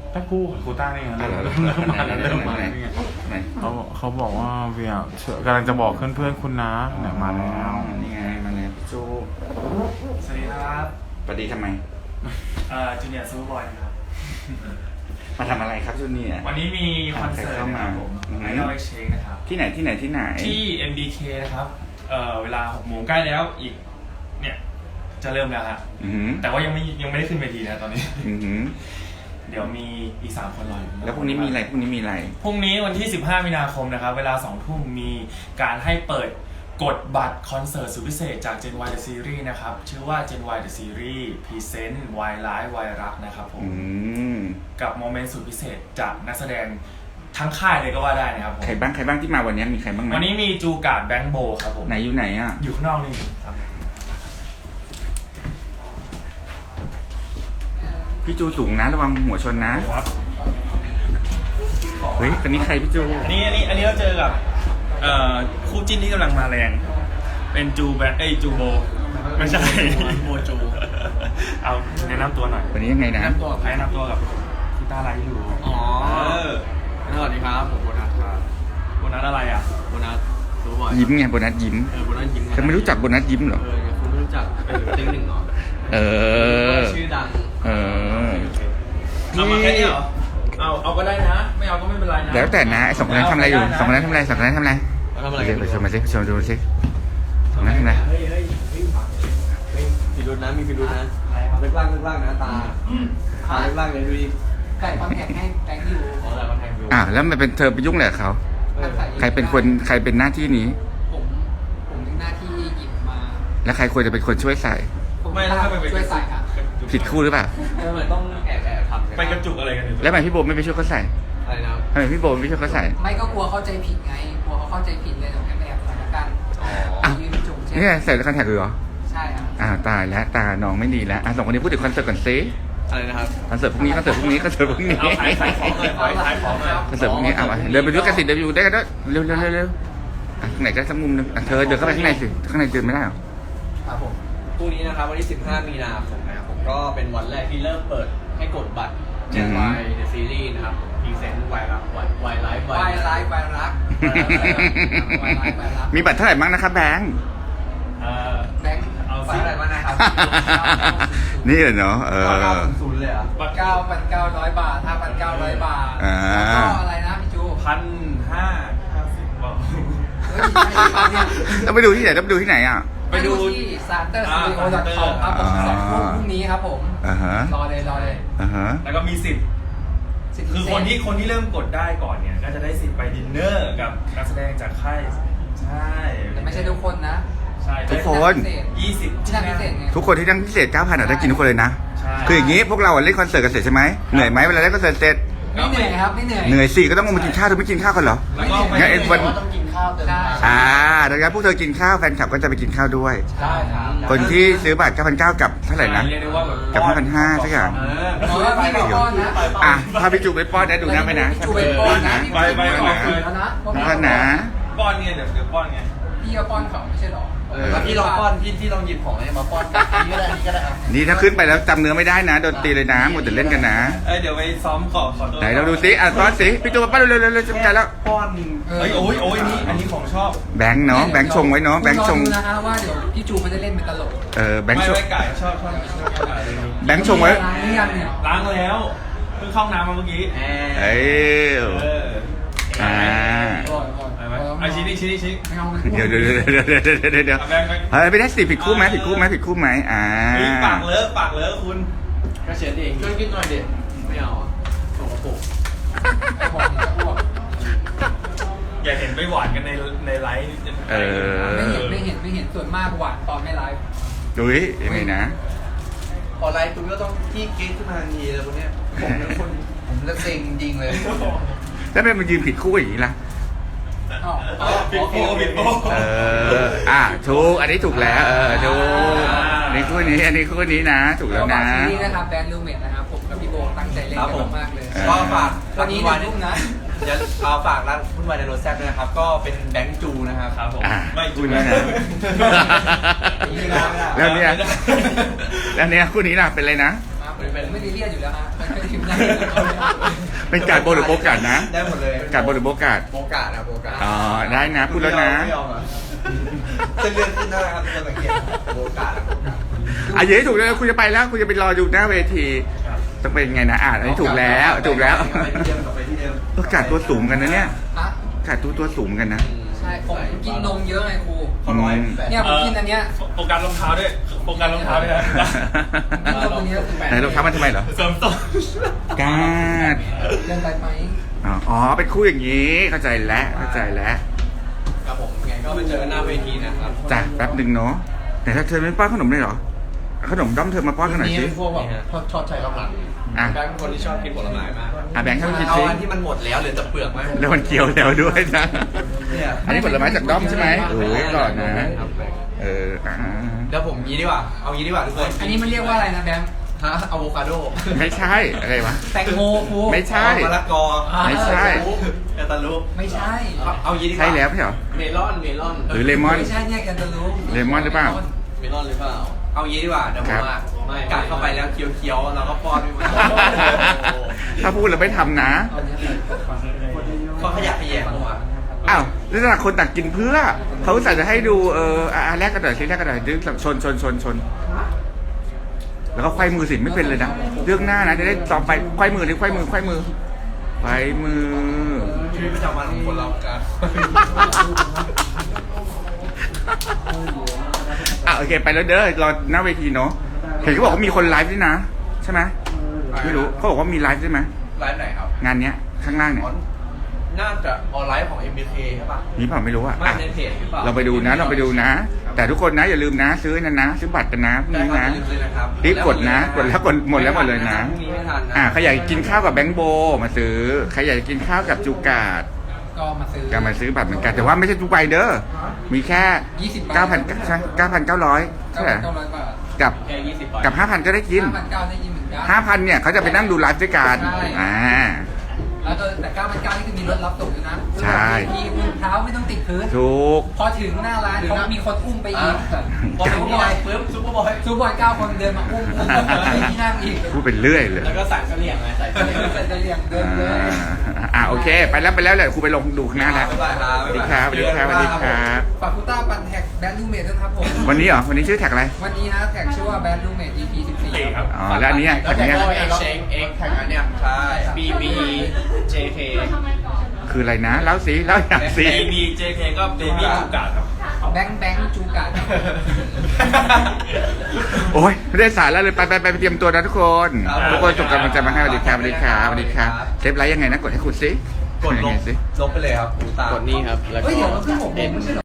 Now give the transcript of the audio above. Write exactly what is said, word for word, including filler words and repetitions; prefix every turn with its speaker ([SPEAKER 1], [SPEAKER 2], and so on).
[SPEAKER 1] ถ้ากู้กูต้านี่ไงเริ่มเริ่มมาแล้วเริ่มมาแล้วนี่ไงเขาเขาบอกว่าเวียกำลังจะบอกเพื่อนๆคุณนะเนี่ยมาแล้วนี่ไงมาแล้วพี่จูสวัสดีครับสวัสดีทำไม
[SPEAKER 2] เอ่อจูเนียร์ซูเปอร์บอยครับ
[SPEAKER 1] มาทำอะไรครับจูเนียร์
[SPEAKER 2] วันนี้มีคอนเสิร์ตนะครับผมไอดอลเอ็กซ์เชนนะครับ
[SPEAKER 1] ที่ไหนที่ไหนที่ไหน
[SPEAKER 2] ที่ เอ็ม บี เค นะครับเอ่อเวลาหกโมงใกล้แล้วอีกเนี่ยจะเริ่มแล้วฮะแต่ว่ายังไม่ยังไม่ได้ขึ้นเวทีนะตอนนี้เดี๋ยวมีอีกสามคนรออยู่
[SPEAKER 1] แล้วพรุ่งนี้มีอะไรพรุ่งนี้มีอะไร
[SPEAKER 2] พรุ่งนี้วันที่สิบห้ามีนาคมนะครับเวลาสองทุ่มมีการให้เปิดกดบัตรคอนเสิร์ตสุดพิเศษจาก Gen Y The Series นะครับชื่อว่า Gen Y The Series Present Y Live Y รักนะครับผมกับโมเมนต์สุดพิเศษจากนักแสดงทั้งค่ายเลยก็ว่าได้นะครับ
[SPEAKER 1] ใครบ้างใครบ้างที่มาวันนี้มีใครบ้าง
[SPEAKER 2] วันนี้มีจูการ์ดแบงค์โบครับผม
[SPEAKER 1] ไหนอยู่ไหนอ่ะ
[SPEAKER 2] อยู่ข้างนอกนี่ครับ
[SPEAKER 1] พี่จูสูงนะระวังหัวชนนะเฮ้ยคนนี้ใครพี่จู
[SPEAKER 2] อันนี้อันนี้อันนี้เราเจอกับเอ่อคู่จิ้นที่กำลังมาแรงเป็นจูแบงค์เอ้ยจูโบไม่ใช่โบจูเอาแนะนำตัวหน่อย
[SPEAKER 1] วันนี้ยังไงนะ
[SPEAKER 2] แนะนำตัวแนะนำตัวกับคุณตาไรอยู่
[SPEAKER 3] อ๋อสวัสดีครับผมโบนัสครับ
[SPEAKER 2] โบนัสอะไรอ่ะ
[SPEAKER 3] โบนัสรู้บ่อย
[SPEAKER 1] ยิ้มไงโบนัสยิ้ม
[SPEAKER 3] เออโบนัสยิ้ม
[SPEAKER 1] คุณไม่รู้จักโบนัสยิ้มเหรอ
[SPEAKER 3] เออคุณไม่รู้จักเป็นติ๊งหนึ่งเหรอ
[SPEAKER 1] เออ
[SPEAKER 3] ชื่อดัง
[SPEAKER 1] เออ
[SPEAKER 2] เอามาแค่นี้เหรอเอาเอาก็ได้นะไม่เอาก็ไม่เป็นไรนะ
[SPEAKER 1] แล้วแต่นะไอ้สองคนนั้นทำอะไรอยู่สองคนนั้นทำอะไรสองคนนั้นทำอะไร
[SPEAKER 3] ทำอะไร
[SPEAKER 1] ไปชมมาสิชมดูสิสองคนนั้นทำอะไร
[SPEAKER 3] เฮ้ยเฮ้ยเฮ้ยพิรุธนะมีพิรุธนะเล็กล่างเล็กล่างนะตาตาเล็กล่างเลยดูดิ
[SPEAKER 4] ไก่คอนแทคให้แตงอยู่
[SPEAKER 3] อ๋อแต่คอนแทคอยู่
[SPEAKER 1] อ่าแล้วมันเป็นเธอไปยุ่งอะไรกับเขาใครเป็นคนใครเป็นหน้าที่นี้
[SPEAKER 4] ผมผมมีหน้าที่หยิบมา
[SPEAKER 1] แล้วใครควรจะเป็นคนช่วยใส่
[SPEAKER 2] ไม่แล้วไป
[SPEAKER 4] ช่วยใส่ครับ
[SPEAKER 1] ผิดคู่หรือเปล่า
[SPEAKER 3] เออเหมือนต้องแอบแอบทำ
[SPEAKER 2] ไปกระจุกอะไรกันอยู่
[SPEAKER 1] แล้วทำไมพี่โบไม่ไปช่วยเขาใส่
[SPEAKER 3] อะไรนะ
[SPEAKER 1] ทำไมพี่โบไม่ช่วยเขาใส่
[SPEAKER 4] ไม่ก็กลัวเข้าใจผิดไงกลัวเขาเข้าใจผิดเลยเดี๋ยวแอบแอบใส่กัน
[SPEAKER 1] อ๋อ
[SPEAKER 4] ยืนจุกใช่
[SPEAKER 1] นี่ใส่แล้วคอนแทคเลยเหรอ
[SPEAKER 4] ใช่ครับ
[SPEAKER 1] อ่าตายแล้วตาน้องไม่ดีแล้วอ่ะสองคนนี้พูดถึงคอนเสิร์ตก่อนซิ
[SPEAKER 3] อะไรนะครับ
[SPEAKER 1] คอนเสิร์ตพรุ่งนี้คอนเสิร์ตพรุ่งนี้คอนเสิร์ตพรุ่งนี้
[SPEAKER 2] เอาขายขายของเลยขายของเลย
[SPEAKER 1] คอนเสิร์ตพรุ่งนี้เอาเดินไปดูกันสิเดินไปดูได้กันด้วยเร็วเร็วเร็วเร็วอ่ะข้างไหนก็สักมุมนึงอ่ะเธอเดินเข้าไปข้างในสิข้างในเดินไม่ได้หรอ
[SPEAKER 3] ครับผมพรุ่งนี้นะครับวันที่สิบห้ามีนาคมนะครับผมก็เป็นวันแรกที่เริ่มเปิดให้กดบัตร Gen Y The Series นะครับพรีเซนต์ Y รัก Y Live
[SPEAKER 4] Y Live Y รัก
[SPEAKER 1] มีบัตรเท่าไหร่บ้างนะครับแบงค์
[SPEAKER 4] แบงค์เอาสิอะไรบ้างนะครับ
[SPEAKER 1] นี่เหรอเนาะเออ
[SPEAKER 3] ศูนย์เลยอ่ะ
[SPEAKER 4] บัตรเก้าพันเก้าร้อยบาทห้าพันเก้าร้อยบาทแล้วก็อะไรนะพี่จู
[SPEAKER 2] พันห้าห้าสิบบอก
[SPEAKER 1] ต้องไปดูที่ไหนต้องไปดูที่ไหนอ่ะ
[SPEAKER 4] ไปดูที่ซานเตอร์สตูดิโอ ดอท คอม ครับผมสองทุ่มพรุ่งนี้ครับผมรอเลยรอเลย
[SPEAKER 2] แล้วก็มีสิทธิ์คือคนที่คนที่เริ่มกดได้ก่อนเนี่ยก็จะได้สิทธิ์ไปดินเนอร์กับนักแสดงจากค่ายใช่
[SPEAKER 4] แต่ไม่ใช่ทุกคนนะ
[SPEAKER 1] ใช่ทุกคน
[SPEAKER 2] ยี่สิบ
[SPEAKER 4] ที่นั่งพิเศษไง
[SPEAKER 1] ทุกคนที่นั่งพิเศษ เก้าพัน อ่ะได้กินทุกคนเลยนะคืออย่างงี้พวกเราเล่นคอนเสิร์ตกันเสร็จใช่ไหมเหนื่อยไหมเวลาเล่นคอนเสิร์ตเสร็จ
[SPEAKER 4] ไม่เหนื่อยครับไม่เหนื่อย
[SPEAKER 1] เหนื่อยสิก็ต้องมากินข้าวเธอไม่กินข้าวกันเหรองั้นเอ็นวัน
[SPEAKER 3] ต้องกินข้าวเติม
[SPEAKER 1] อ่าดังนั้นพวกเธอกินข้าวแฟนคลับก็จะไปกินข้าวด้วย
[SPEAKER 4] ใช่ครับ
[SPEAKER 1] คนที่ซื้อบัตร เก้าพันเก้าร้อย กับเท่าไหร่นะกับ ห้าพันห้าร้อย สักอย่างอ่ะพาพี่จูไปป้อนนะดูนะไปนะ
[SPEAKER 4] จูไปป้อนนะ
[SPEAKER 2] ไปไปไป
[SPEAKER 1] ป้อนนะ
[SPEAKER 2] ป้อนเนี่ยเดี๋ยวเดี๋ยวป้อนไง
[SPEAKER 4] พี่ก็ป้อนเขาไม่ใช่หรอ
[SPEAKER 3] พี่ลองป้อนพี่ที่ลองหยิบของอะไรมาป้อนนี่ก็ได้นี่ก็ได้
[SPEAKER 1] นี่ถ้าขึ้นไปแล้วจำเนื้อไม่ได้นะโดนตีเลยนะหมดแต่เล่นกันนะ
[SPEAKER 2] เอ้ยเดี๋ยวไปซ้อมขอขอตัว
[SPEAKER 1] ไหนเราดูซิอ่ะป้อนสิพี่จูมาป้อนเร็วๆเร็วๆจำใจแล้ว
[SPEAKER 2] ป้อนเฮ้ยโอ้ยโอ้ยนี่อันนี้ของชอบ
[SPEAKER 1] แบงค์เนาะแบงค์ชงไว้เนาะแบงค์ชง
[SPEAKER 4] นะฮะว่าเดี๋ยวพี่จูมันจะเล่นเป็นตลก
[SPEAKER 1] เออแบงค์ชง
[SPEAKER 2] ไม่ไก่ชอบชอบ
[SPEAKER 1] แบงค์ชงไว้
[SPEAKER 2] ล้างแล้วเพิ่งเข้าน้ำมาเมื่อกี้
[SPEAKER 1] เอ้ยอ่า
[SPEAKER 2] ไอชิ้นนี้ชิ้นนี้ชิ้น
[SPEAKER 1] เดี๋ยวเดี๋ยวเดี๋ยวเดี๋ยวเดี๋ยวเดี๋ยวเฮ้ยไม่ได้สิผิดคู่ไหมผิดคู่ไหมผิดคู่ไหมอ่า
[SPEAKER 2] ปากเลอะปากเลอะคุณ
[SPEAKER 3] ก็เช็ดเองช่วยกินหน่อยเด็ดไม่เอาสกปรก
[SPEAKER 2] อย่าเห็นไปหวานกันในในไลฟ์
[SPEAKER 1] เออ
[SPEAKER 4] ไม่เห็นไม่เห็นไม่เห็นส่วนมากหวานตอนไม่ไลฟ์
[SPEAKER 1] ดูดิยังไงนะ
[SPEAKER 3] พอไลฟ์คุณก็ต้องขี้เก๊กขึ้นมาทันทีเลยคนเนี้ยผมเป็นคนผมเลิกเซ็งจริงเลย
[SPEAKER 1] แล้วเป็นมันยืนผิดคู่อย่างนี้ล่ะ
[SPEAKER 2] ปิดโป้ปิดโป้
[SPEAKER 1] เอออ่ะถูกอันนี้ถูกแล้วเออถูกอันนี้คู่นี้อันนี้คู่นี้นะถูกแล้วนะ
[SPEAKER 4] นี่นะครับแบรนด์ลูเมทนะครับผมกับพี่โบตั้งใจเล่นกันมากเลย
[SPEAKER 3] ก็ฝาก
[SPEAKER 4] วันนี้วันรุ่งนะ
[SPEAKER 3] จะเอาฝากร้านคุณวายในรถแซ่บด้วยนะครับก็เป็นแบงค์จูนะครับ
[SPEAKER 2] ครับผมไม่จู
[SPEAKER 1] นะแล้วเนี่ยแล้วเนี่ยคู่นี้ล่ะเป็นอะไรนะ
[SPEAKER 4] ผ
[SPEAKER 3] เป็น
[SPEAKER 4] ผมไม่ได้เรียกอยู่แล้วฮะไม่ได้ทีมได้
[SPEAKER 1] เป็นการโบหรือโบกัดนะ
[SPEAKER 3] ได้หมดเลย
[SPEAKER 1] การโบหรือโบกัด
[SPEAKER 3] โบกานะโบกา
[SPEAKER 1] อ๋อได้นะพูดแล้วนะ
[SPEAKER 3] ไม่ยอมอ่ะเส้นเลือดขึ้นหน้าครับทุกคนสังเกตโบกาโบกา
[SPEAKER 1] อ่ะอย่าให้ถูกเลยคุณจะไปแล้วคุณจะไปรอดูหน้าเวทีต้องเป็นไงนะอ่านอันนี้ถูกแล้วถูกแล้ว
[SPEAKER 3] ไปที่เดิมกลับไปที่เดิม
[SPEAKER 1] ก็กัดตัวสูงกันนะเนี่ย
[SPEAKER 4] ฮะ
[SPEAKER 1] กัดตัวตัวสูงกันนะ
[SPEAKER 4] ใช่ผมกินนมเยอะไงครู
[SPEAKER 3] เขาร้อยแปด
[SPEAKER 4] เนี่ยผมกินอันเนี้ย
[SPEAKER 2] โฟกัสรองเท้าด้วยโฟกัสรองเท้าด้วยนะ
[SPEAKER 4] กินนมอันเนี้ยคือแปด
[SPEAKER 1] ไหนรองเท้ามันทำไมเหรอ
[SPEAKER 2] เสริมต้น
[SPEAKER 1] กาด
[SPEAKER 4] เดินไปไหม
[SPEAKER 1] อ๋ออ๋อเป็นคู่อย่างนี้เข้าใจแล้วเข้าใจแล้ว
[SPEAKER 3] ครับผมไงก็ไปเจอกันหน้าเวทีนะครับ
[SPEAKER 1] จ้ะแป๊บหนึ่งเนาะแต่ถ้าเธอไม่ป้อนขนมเลยเหรอขนมด้อมเธอมาป้อนกันหน่อยสิ
[SPEAKER 3] พวกแบบชอบใช้กำลัง
[SPEAKER 1] อ่ะ
[SPEAKER 3] แบงค์เป็นคนที่ชอบกินผลไม้มาก
[SPEAKER 1] อ่ะแบงค์ให้มันกิน
[SPEAKER 3] เอา
[SPEAKER 1] สิ
[SPEAKER 3] อันที่มันหมดแล้วเหลือแต่เปลือกไหม
[SPEAKER 1] แล้วมันเคี้ยวแล้วด้วยนะ
[SPEAKER 3] เนี่ย
[SPEAKER 1] อันนี้ผลไม้จากด้อมใช่ไหมโอ้ยก่อนนะ เอออ่า
[SPEAKER 3] แล้วผมงี้ดีกว่า เอางี้ดีกว่าทุกคน
[SPEAKER 4] อันนี้มันเรียกว่าอะไรนะแบงค์
[SPEAKER 3] ฮะอะโวคาโด
[SPEAKER 1] ไม่ใช่อะไรวะ
[SPEAKER 4] แตงโมครู
[SPEAKER 1] ไม่ใช่
[SPEAKER 3] มะละกอ
[SPEAKER 1] ไม่ใช่
[SPEAKER 3] แคนตาลูป
[SPEAKER 4] ไม่ใช่
[SPEAKER 3] เอาเอางี้ดีกว่า
[SPEAKER 1] ใช่แล้วไม่ใช่เหรอ
[SPEAKER 3] เมลอนเมลอน
[SPEAKER 1] หรือเลมอน
[SPEAKER 4] ไม่ใช่เนี่ยแคนตาลูป
[SPEAKER 1] เลมอนหรือเปล่า
[SPEAKER 3] เมลอนหรือเปล่า เอางี้ดีกว่าเดี๋ยวผมอ่ะกัดเข้าไปแล้วเคี้ยวๆแล้วก็ป้อนไปมัน
[SPEAKER 1] ถ้าพูดแล้วไม่ทำนะ
[SPEAKER 4] เอาเนี่ย
[SPEAKER 3] เขาขยักขยแยงออกมา
[SPEAKER 1] อ้าวแล้วต่างคนต่างกินเพื่อ เขาอุตส่าห์จะให้ดูเอออ่ะอ่ะแรกกันหน่อยสิแรกกันหน่อยดึงชนชนชนชน แล้วก็ไขว้มือสิไม่เป็นเลยนะเรื่องหน้านะจะได้ต่อไปไขว้มือเลยไขว้มือไขว้มือไขว้มือ
[SPEAKER 3] ชีวิตประจำวันของคนเรากัน
[SPEAKER 1] อ่ะโอเคไปแล้วเด้อรอหน้าเวทีเนาะเห็นเขาบอกว่ามีคนไลฟ์ด้วยนะใช่ไหมไม่รู้เขาบอกว่ามีไลฟ์ใช่ไหม
[SPEAKER 3] ไลฟ์ไหนครับ
[SPEAKER 1] งานเนี้ยข้างล่างเนี่ย
[SPEAKER 3] น่าจะออนไลน์ของ เอ็ม บี เค ใช่ป่ะ
[SPEAKER 1] มีเปล่าไม่รู้อ่ะ
[SPEAKER 3] ไม่
[SPEAKER 1] อ่ะ
[SPEAKER 3] ในเพจหรือเปล่า
[SPEAKER 1] เราไปดูนะเราไปดูนะ แต่ทุกคนนะอย่าลืมนะ ซื้อนั่นนะ ซื้อบัตรกันนะพรุ่ง
[SPEAKER 3] ได้
[SPEAKER 1] นี้
[SPEAKER 3] ครับ
[SPEAKER 1] นะ
[SPEAKER 3] อย่าลืมเลยนะครับ
[SPEAKER 1] รีบกดนะกดแล้วกดหมดแล้วหมดเลยนะ
[SPEAKER 3] พรุ่งนี้ไม่ทันนะ
[SPEAKER 1] อ่ะใครอยากกินข้าวกับแบงค์โบมาซื้อใครอยากกินข้าวกับจูกาด
[SPEAKER 4] ก็มาซื้อ
[SPEAKER 1] ก็มาซื้อบัตรเหมือนกันแต่ว่าไม่ใช่ทุกใบเด้อมีแค่
[SPEAKER 4] ยี่สิบใบ
[SPEAKER 1] เก้าพันใช่เก้าพันเก้าร้อยใช่ไหม
[SPEAKER 4] เก้าร้อยบาท
[SPEAKER 1] กับ
[SPEAKER 3] แค่ยี่สิบ
[SPEAKER 1] กับห้าพันก็ได้กิน
[SPEAKER 4] ห้าพันเก้าได้ยินเหมือนกัน
[SPEAKER 1] ห้าพันเนี่ยเขาจะไปนั่งดูไลฟ์ด้วยกัน
[SPEAKER 4] ใช่
[SPEAKER 1] อ่า
[SPEAKER 4] แล้วก็แต่เก้าพันเก้านี่คือมีรถรับส่งด้วยนะ
[SPEAKER 1] ใช่
[SPEAKER 4] มีมือเท้าไม่ต้องติดพื้น
[SPEAKER 1] ถูก
[SPEAKER 4] พอถึงหน้าร้านเขามีคนอุ้มไปอีก
[SPEAKER 3] พอถึงที่ไหนปุ๊บซุปเปอร์บอย
[SPEAKER 4] ซูบอยเก้าคนเดินมาอุ้มอุ้มอุ้มให้ที่นั่งอีก
[SPEAKER 1] พูดเป็นเรื่อยเลย
[SPEAKER 3] แล้วก็ใส่เสลี่ยงไงใส่เสลี่ยง
[SPEAKER 4] เสร็จจะเรียงเดินเลย
[SPEAKER 1] อ่าอ่าโอเค ไปแล้วไปแล้วเลยครูไปลงดูข้างหน้าแล้ว
[SPEAKER 3] บ๊ายบายครับ
[SPEAKER 1] สวัสดีครับสวัสดีครับสวัสดีครับ
[SPEAKER 4] ฝากคุต้าปันแท็กแบนด์ลูเมดด้วยครับผม
[SPEAKER 1] วันนี้เหรอวันนี้ชื่อแท็กอะไร
[SPEAKER 4] วันนี้นะแท็กชื่อว่าแบนด์ลูเมด อี พี สิบสี่
[SPEAKER 2] ครับ
[SPEAKER 1] อ๋อแล้วอันนี้อ่ะ
[SPEAKER 3] แล้ว
[SPEAKER 1] แท็ก
[SPEAKER 3] แท็ก
[SPEAKER 1] เนี้ย
[SPEAKER 3] ก็เอ็กเชงเอ็กแท็กอันเนี้ยใช่ บี บี เจ เค
[SPEAKER 1] คืออะไรนะเล่าสิเล่าอย่างสิ
[SPEAKER 2] บี บี เจ เค ก็เบบี้จูกาดครับ
[SPEAKER 4] แบงค์แบงค์จูการ์
[SPEAKER 1] โอ้ยไม่ได้สารแล้วเลยไปไปไปไปเตรียมตัวนะทุกคน ทุกคนส่งกำลังใจมาให้สวัสดีครับสวัสดีครับสวัสดีครับเซฟไลฟ์ยังไงนะกดให้คุณสิ
[SPEAKER 3] กดล
[SPEAKER 1] ยัง
[SPEAKER 3] บ
[SPEAKER 1] ไงสิ
[SPEAKER 3] ลบไปเลยครับกูตามกดนี่ครับ แล้ว
[SPEAKER 4] เฮ้
[SPEAKER 3] ก็
[SPEAKER 4] ยเดี๋ยวเราเพิ่งหกโมงไม่ใช่เหรอ